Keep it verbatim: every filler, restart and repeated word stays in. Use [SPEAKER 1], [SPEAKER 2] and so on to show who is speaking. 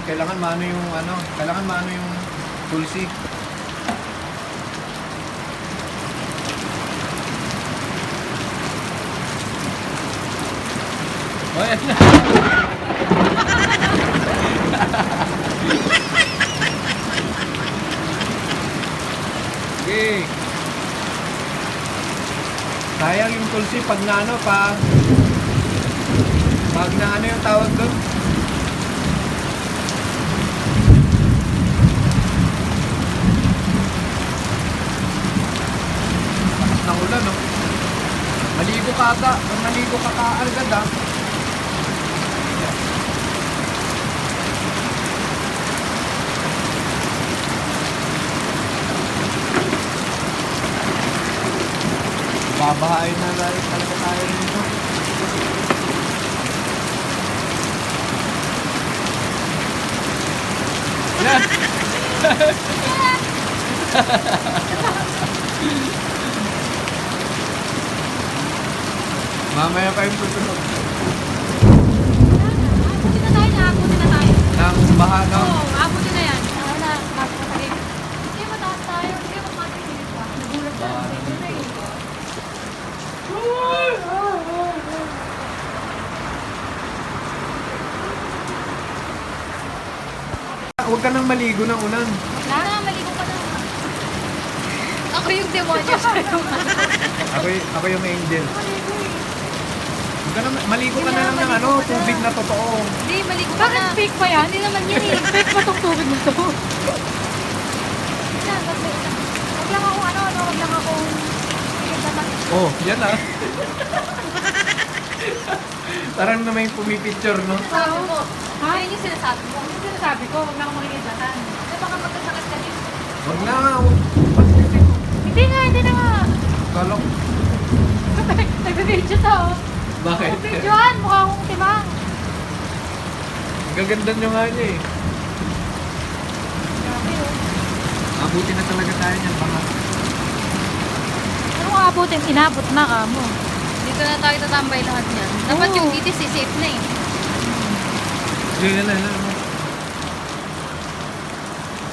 [SPEAKER 1] kailangan maano yung ano, kailangan maano yung tulsi. Oh, yan na. Okay. Sayang yung tulsi pag na ano pa. Pag na ano yung tawag doon? Lakas ng ulan, no? Maligo ka ata. Maligo ka kaagad, ha? Babahain na dahil talaga tayo nito. Yan! Mamaya pa yung tutunog.
[SPEAKER 2] Abutin na tayo, naabutin na tayo.
[SPEAKER 1] Nang baha, no?
[SPEAKER 2] Oo, abutin na yan. Ano na, bakit na tayo? Hindi mataas tayo, hindi mo matigilit pa. Nagulat ka lang, dito na eh.
[SPEAKER 1] Huwag ka nang maligo ng unan.
[SPEAKER 2] Wala na, maligo ka na. Ako yung demonyo sa'yo.
[SPEAKER 1] Ako, y- ako yung angel.
[SPEAKER 2] Maligo eh.
[SPEAKER 1] Huwag ka na, maligo ka na lang ng ano, tubig na totoo.
[SPEAKER 2] Hindi, maligo ka na. Bakit fake pa yan? Hindi naman yan eh. Fake pa tong tubig na to. Yan, kasi, Huwag lang ako ano, ano, huwag lang akong...
[SPEAKER 1] Oh, yan ah. Parang na may pumipicture, no?
[SPEAKER 2] Sabi mo, ha? Yan yung sinasabi mo. Yung sinasabi ko, huwag lang ako makikitatan. Di baka magkasakit ka din.
[SPEAKER 1] Huwag na nga. huwag- Ba't kasi?
[SPEAKER 2] Hindi nga, hindi na nga.
[SPEAKER 1] Kala ko.
[SPEAKER 2] Nag-video to.
[SPEAKER 1] Bakit?
[SPEAKER 2] Videoan, mukha akong timang.
[SPEAKER 1] Gaganda nyo nga niya eh.
[SPEAKER 2] Grabe oh.
[SPEAKER 1] Abutin na talaga tayo niyan, baka.
[SPEAKER 2] Ano nga abutin? Inabot na ka mo.
[SPEAKER 3] Dito na tayo tatambay lahat niyan. Dapat
[SPEAKER 2] Oo.
[SPEAKER 3] yung itis, safe na eh.
[SPEAKER 1] Sige na, na, na.